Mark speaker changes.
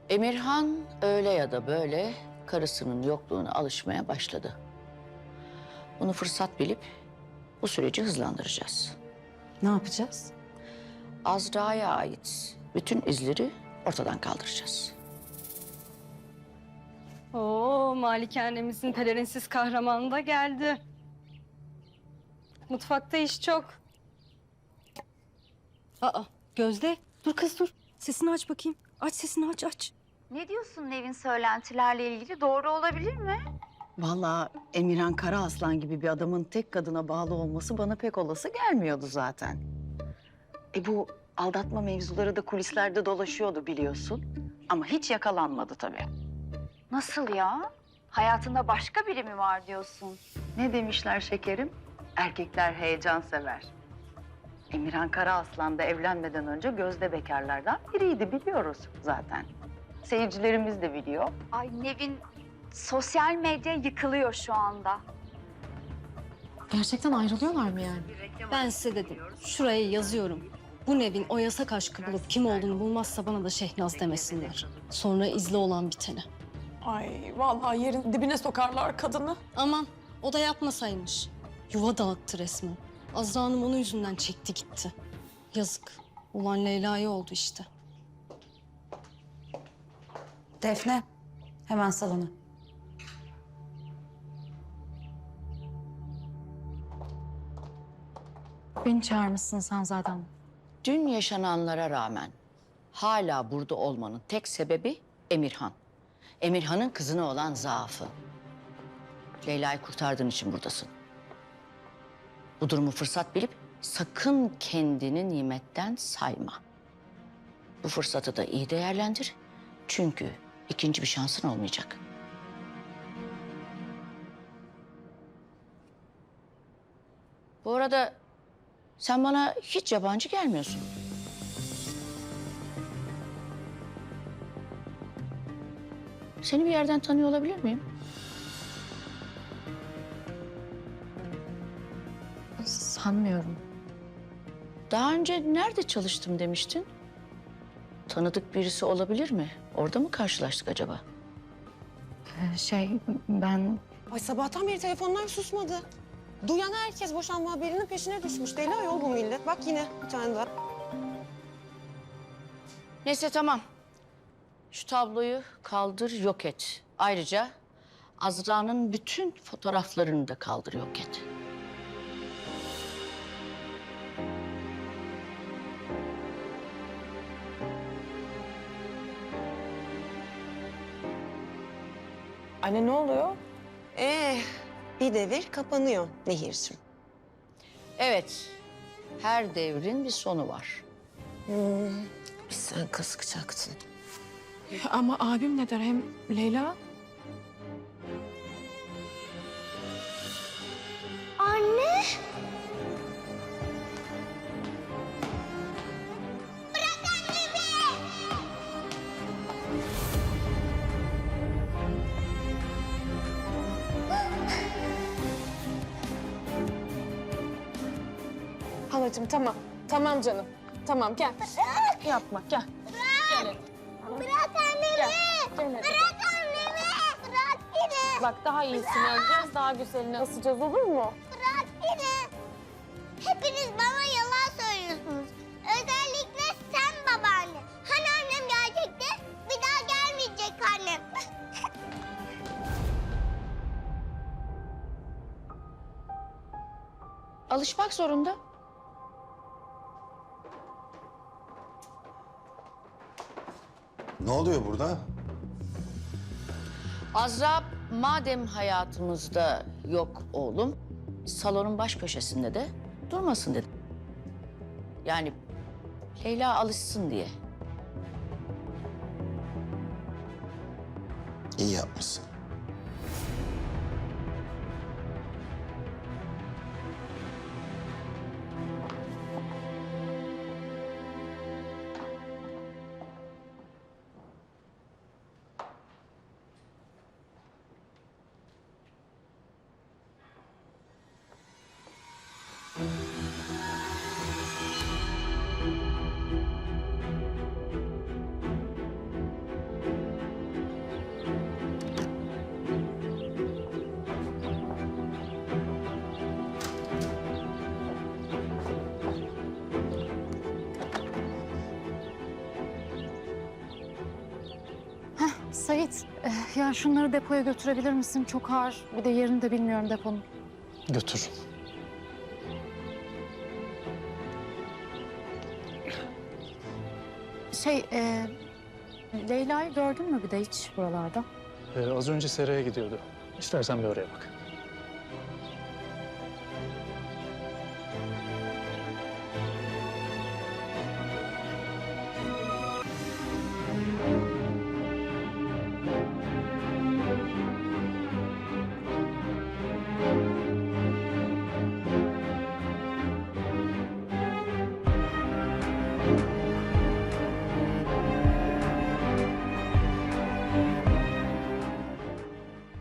Speaker 1: Emirhan öyle ya da böyle karısının yokluğuna alışmaya başladı. Bunu fırsat bilip bu süreci hızlandıracağız.
Speaker 2: Ne yapacağız?
Speaker 1: Azra'ya ait bütün izleri ortadan kaldıracağız.
Speaker 3: Oo, malikanemizin pelerinsiz kahramanı da geldi. Mutfakta iş çok. Aa, Gözde, dur kız dur. Sesini aç bakayım. Aç sesini aç.
Speaker 4: Ne diyorsun Nevin söylentilerle ilgili? Doğru olabilir mi?
Speaker 2: Vallahi Emirhan Karaaslan gibi bir adamın tek kadına bağlı olması bana pek olası gelmiyordu zaten. Bu aldatma mevzuları da kulislerde dolaşıyordu biliyorsun. Ama hiç yakalanmadı tabii.
Speaker 4: Nasıl ya? Hayatında başka biri mi var diyorsun?
Speaker 2: Ne demişler şekerim? Erkekler heyecan sever. Emirhan Karaaslan da evlenmeden önce gözde bekarlardan biriydi biliyoruz zaten. Seyircilerimiz de biliyor.
Speaker 4: Ay Nevin, sosyal medya yıkılıyor şu anda.
Speaker 5: Gerçekten ayrılıyorlar mı yani?
Speaker 3: Ben size dedim. Şuraya yazıyorum. Bu Nevin o yasak aşkı bulup kim olduğunu bulmazsa bana da Şehnaz demesinler. Sonra izle olan biteni.
Speaker 5: Ay vallahi yerin dibine sokarlar kadını.
Speaker 3: Aman o da yapmasaymış. Yuva dağıttı resmen. Azra Hanım onun yüzünden çekti gitti. Yazık. Ulan Leyla'ya oldu işte.
Speaker 6: Defne, hemen salona. Beni çağırmışsın zaten.
Speaker 1: Dün yaşananlara rağmen hala burada olmanın tek sebebi Emirhan. Emirhan'ın kızına olan zaafı. Leyla'yı kurtardığın için buradasın. Bu durumu fırsat bilip sakın kendini nimetten sayma. Bu fırsatı da iyi değerlendir. Çünkü ikinci bir şansın olmayacak. Bu arada sen bana hiç yabancı gelmiyorsun. Seni bir yerden tanıyor olabilir miyim?
Speaker 6: Sanmıyorum.
Speaker 1: Daha önce nerede çalıştım demiştin? Tanıdık birisi olabilir mi? Orada mı karşılaştık acaba?
Speaker 6: Ben
Speaker 5: Ay sabahtan beri telefonlar susmadı. Duyan herkes boşanma haberinin peşine düşmüş. Deli ayol bu millet. Bak yine bir tane daha.
Speaker 1: Neyse tamam. Şu tabloyu kaldır yok et. Ayrıca Azra'nın bütün fotoğraflarını da kaldır yok et.
Speaker 5: Anne ne oluyor? Bir devir kapanıyor Nehir'cim.
Speaker 1: Evet, her devrin bir sonu var.
Speaker 5: Biz sen kıskacaktın.
Speaker 7: Ama abim ne der hem Leyla? Halacığım tamam. Tamam canım. Tamam gel. Yapma gel.
Speaker 8: Bırak annemi!
Speaker 7: Gel hadi.
Speaker 8: Bırak annemi! Bırak beni!
Speaker 7: Bak daha iyisini öleceğiz, daha güzelini ısıtacağız olur mu?
Speaker 8: Bırak beni! Hepiniz bana yalan söylüyorsunuz. Özellikle sen babaanne. Hani annem gelecekti? Bir daha gelmeyecek annem.
Speaker 1: Alışmak zorunda.
Speaker 9: Ne oluyor burada?
Speaker 1: Azra madem hayatımızda yok oğlum, salonun baş köşesinde de durmasın dedim. Yani Leyla alışsın diye.
Speaker 9: İyi yapmışsın.
Speaker 6: Sait, ya şunları depoya götürebilir misin? Çok ağır. Bir de yerini de bilmiyorum deponun.
Speaker 10: Götür.
Speaker 6: Leyla'yı gördün mü bir de hiç buralarda?
Speaker 10: Az önce seraya gidiyordu. İstersen bir oraya bak.